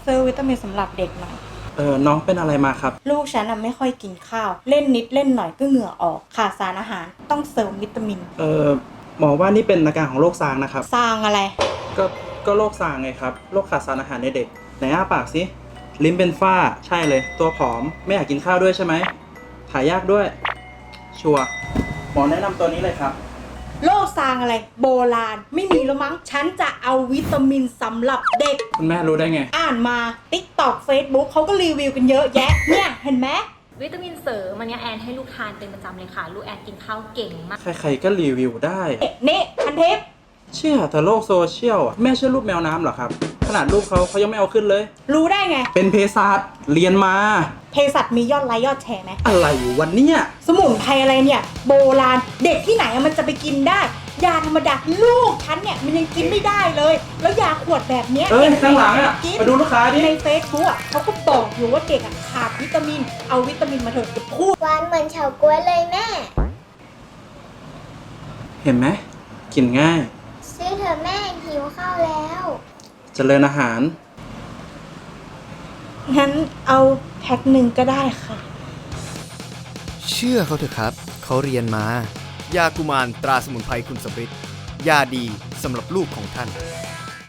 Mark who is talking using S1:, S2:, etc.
S1: ซื้อวิตามินสำหรับเด็กหน่อย
S2: น้องเป็นอะไรมาครับ
S1: ลูกฉันไม่ค่อยกินข้าวเล่นนิดเล่นหน่อยก็เหงื่อออกขาดสารอาหารต้องเสริมวิตามิน
S2: หมอว่านี่เป็นอาการของโรคซางนะครับ
S1: ซางอะไร
S2: ก็โรคซางไงครับโรคขาดสารอาหารในเด็กไหนอ้าปากสิลิ้นเป็นฝ้าใช่เลยตัวผอมไม่อยากกินข้าวด้วยใช่ไหมถ่ายยากด้วยชัวร์หมอแนะนำตัวนี้เลยครับ
S1: โรคซางอะไรโบราณไม่มีแล้วมั้งฉันจะเอาวิตามินสำหรับเด็ก
S2: คุณแม่รู้ได้ไง
S1: อ่านมา TikTok Facebook เขาก็รีวิวกันเยอะแยะเนี่ยเห็นไหม
S3: วิตามินเสริมมันเนี่ยแอนให้ลูกทานเป็นประจำเลยค่ะลูกแอนกินข้าวเก่งมาก
S2: ใครๆก็รีวิวได้
S1: นี่พันทิพย์
S2: เชื่อแต่โลกโซเชียลแม่เชื่อรูปแมวน้ำเหรอครับขนาดรูปเขายังไม่เอาขึ้นเลย
S1: รู้ได้ไง
S2: เป็นเภสัชเรียนมา
S1: เภสัชมียอดไลค์ยอดแชร์ไหม
S2: อะไรวันเนี้ย
S1: สมุนไพรอะไรเนี่ยโบราณเด็กที่ไหนมันจะไปกินได้ยาธรรมดาลูกฉันเนี่ยมันยังกินไม่ได้เลยแล้วยาขวดแบบเนี้ย
S2: ข้างหลังมาดูลูกค้าดิ
S1: ในเฟซบุ๊กเขาก็บอกอยู่ว่าเด็กขาดวิตามินเอาวิตามินมาเถอะจะพูด
S4: หวานเหมือนเฉาก๊วยเลยแม่
S2: เห็นไหมกินง่าย
S4: ซื้อเถอะแม่หิวข้าวแล้ว
S2: เจริญอาหาร
S1: งั้นเอาแพ็คหนึ่งก็ได้ค่ะ
S5: เชื่อเขาเถอะครับเขาเรียนมายากุมารตราสมุนไพรคุณสมฤทธิ์ยาดีสำหรับลูกของท่าน